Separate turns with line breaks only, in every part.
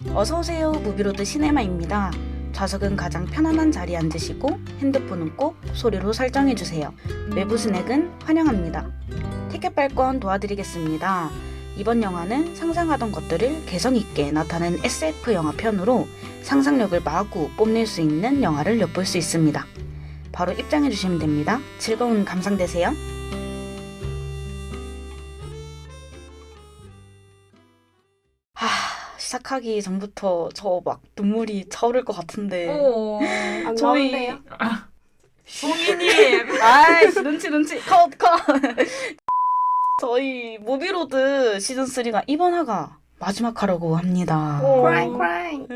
어서오세요. 무비로드 시네마입니다. 좌석은 가장 편안한 자리에 앉으시고 핸드폰은 꼭 소리로 설정해주세요. 외부 스낵은 환영합니다. 티켓 발권 도와드리겠습니다. 이번 영화는 상상하던 것들을 개성있게 나타낸 SF 영화 편으로 상상력을 마구 뽐낼 수 있는 영화를 엿볼 수 있습니다. 바로 입장해주시면 됩니다. 즐거운 감상 되세요. 시작하기 전부터 저 막 눈물이 차오를 것 같은데.
안
저희-
나온대요?
송이님!
아이씨, 눈치 컷. 저희 무비로드 시즌3가 이번 화가 마지막 화라고 합니다.
크라잉.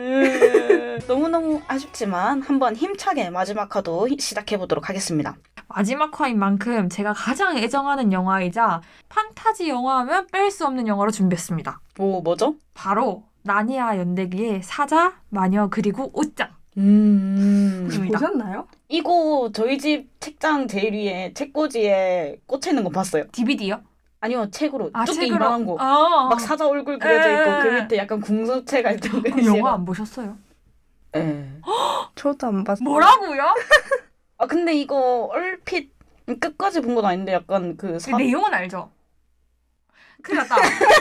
너무너무 아쉽지만 한번 힘차게 마지막 화도 시작해보도록 하겠습니다.
마지막 화인 만큼 제가 가장 애정하는 영화이자 판타지 영화하면 뺄 수 없는 영화로 준비했습니다.
뭐죠?
바로 나니아 연대기의 사자, 마녀 그리고 옷장.
입니다.
보셨나요?
이거 저희 집 책장 제일 위에 책꽂이에 꽂혀있는 거 봤어요.
DVD요?
아니요, 책으로. 두께
책으로?
이만한 거.
아,
막 사자 얼굴 그려져 있고
에.
그 밑에 약간 궁서체 같은
그 영화 안 보셨어요?
예.
저도 안 봤어요.
뭐라고요?
아 근데 이거 얼핏 끝까지 본 건 아닌데 약간 그
내용은 알죠? 큰일 났다.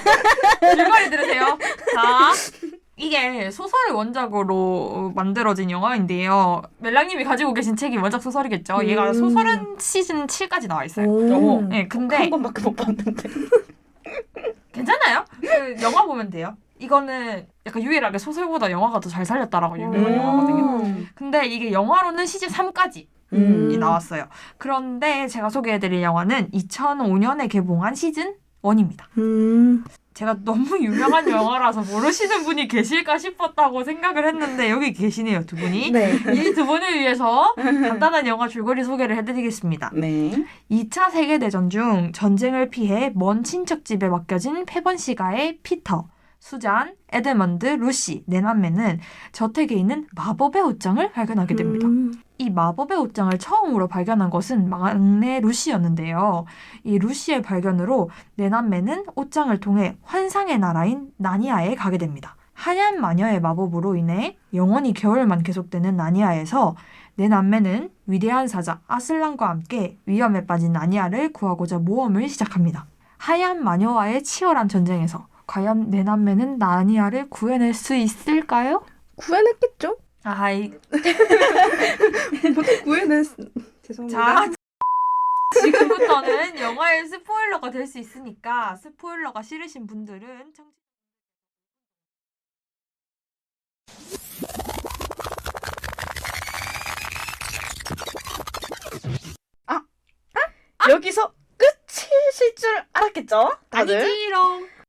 줄거리 들으세요. 자, 이게 소설을 원작으로 만들어진 영화인데요. 멜랑님이 가지고 계신 책이 원작 소설이겠죠. 얘가 소설은 시즌 7까지 나와 있어요.
오.
네, 근데
한 번밖에 못 봤는데.
괜찮아요. 그 영화 보면 돼요. 이거는 약간 유일하게 소설보다 영화가 더 잘 살렸다라고 유명한 영화거든요. 근데 이게 영화로는 시즌 3까지 이 나왔어요. 그런데 제가 소개해드릴 영화는 2005년에 개봉한 시즌 1입니다. 제가 너무 유명한 영화라서 모르시는 분이 계실까 싶었다고 생각을 했는데 여기 계시네요, 두 분이.
네.
이 두 분을 위해서 간단한 영화 줄거리 소개를 해드리겠습니다.
네.
2차 세계대전 중 전쟁을 피해 먼 친척집에 맡겨진 페번시가의 피터, 수잔, 에드먼드, 루시, 네 남매는 저택에 있는 마법의 옷장을 발견하게 됩니다. 이 마법의 옷장을 처음으로 발견한 것은 막내 루시였는데요. 이 루시의 발견으로 네 남매는 옷장을 통해 환상의 나라인 나니아에 가게 됩니다. 하얀 마녀의 마법으로 인해 영원히 겨울만 계속되는 나니아에서 네 남매는 위대한 사자 아슬란과 함께 위험에 빠진 나니아를 구하고자 모험을 시작합니다. 하얀 마녀와의 치열한 전쟁에서 과연 네 남매는 나니아를 구해낼 수 있을까요?
구해냈겠죠?
아이,
어떻게 죄송합니다.
자, 지금부터는 영화의 스포일러가 될 수 있으니까 스포일러가 싫으신 분들은
여기서 끝이실 줄 알았겠죠? 다들?
아니지롱.